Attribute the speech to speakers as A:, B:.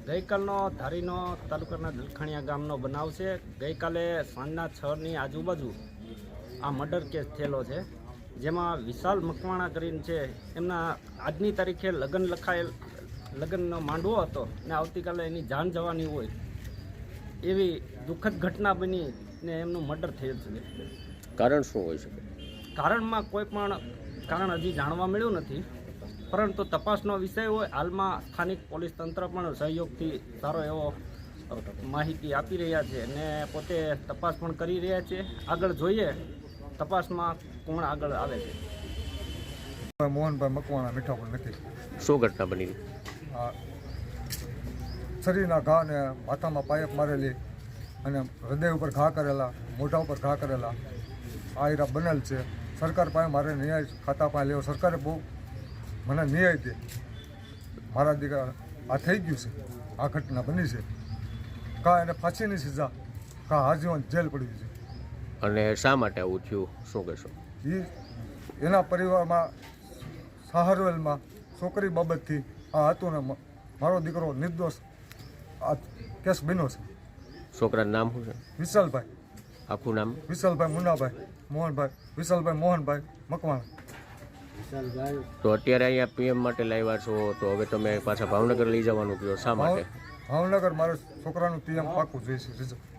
A: ગઈકાલનો ધારીનો તાલુકાના દલખાણીયા ગામનો બનાવ છે। ગઈકાલે સાંજના 6ની આજુબાજુ આ મર્ડર કેસ થયેલો છે, જેમાં વિશાલ મકવાણા કરીને છે, એમના આજની તારીખે લગ્નનો માંડવો હતો ને આવતીકાલે એની જાન જવાની હોય એવી દુઃખદ ઘટના બની ને એમનું મર્ડર થયેલ છે।
B: કારણ શું હોઈ શકે?
A: કારણમાં કોઈ પણ કારણ હજી જાણવા મળ્યું નથી, પરંતુ તપાસનો વિષય હોય। હાલમાં સ્થાનિક પોલીસ તંત્ર પણ સહયોગથી સારો એવો માહિતી આપી રહ્યા છે અને પોતે તપાસ પણ કરી રહ્યા છે। આગળ જોઈએ તપાસમાં કોણ આગળ આવે છે।
C: મોહનભાઈ મકવાણા મીઠાપુર નથી।
B: શું ઘટના બની?
C: શરીરના ઘા ને માથામાં પાયપ મારેલી અને હૃદય ઉપર ઘા કરેલા, મોઢા ઉપર ઘા કરેલા આ હીરા બનેલ છે। સરકાર પાસે મારે ન્યાય ખાતા પાસે લેવો, સરકારે બહુ મને ન્યાય દે। મારા દીકરા આ થઈ ગયું છે, આ ઘટના બની છે। કા એને ફાંસીની સજા, કા આજીવન જેલ પડી છે।
B: અને શા માટે આવું થયું, શું કહેશો?
C: એના પરિવારમાં સહારવેલમાં છોકરી બાબતથી આ હતું ને મારો દીકરો નિર્દોષ આ કેસ બન્યો છે।
B: છોકરાનું નામ શું છે?
C: વિશાલભાઈ।
B: આખું નામ?
C: વિશાલભાઈ મુન્નાભાઈ મોહનભાઈ, વિશાલભાઈ મોહનભાઈ મકવાણા।
B: તો અત્યારે અહીંયા પીએમ માટે લાવ્યા છો, તો હવે તમે પાછા ભાવનગર લઈ જવાનું કહો, શા માટે?
C: ભાવનગર મારે છોકરાનું પીએમ પાકું જોઈએ છે।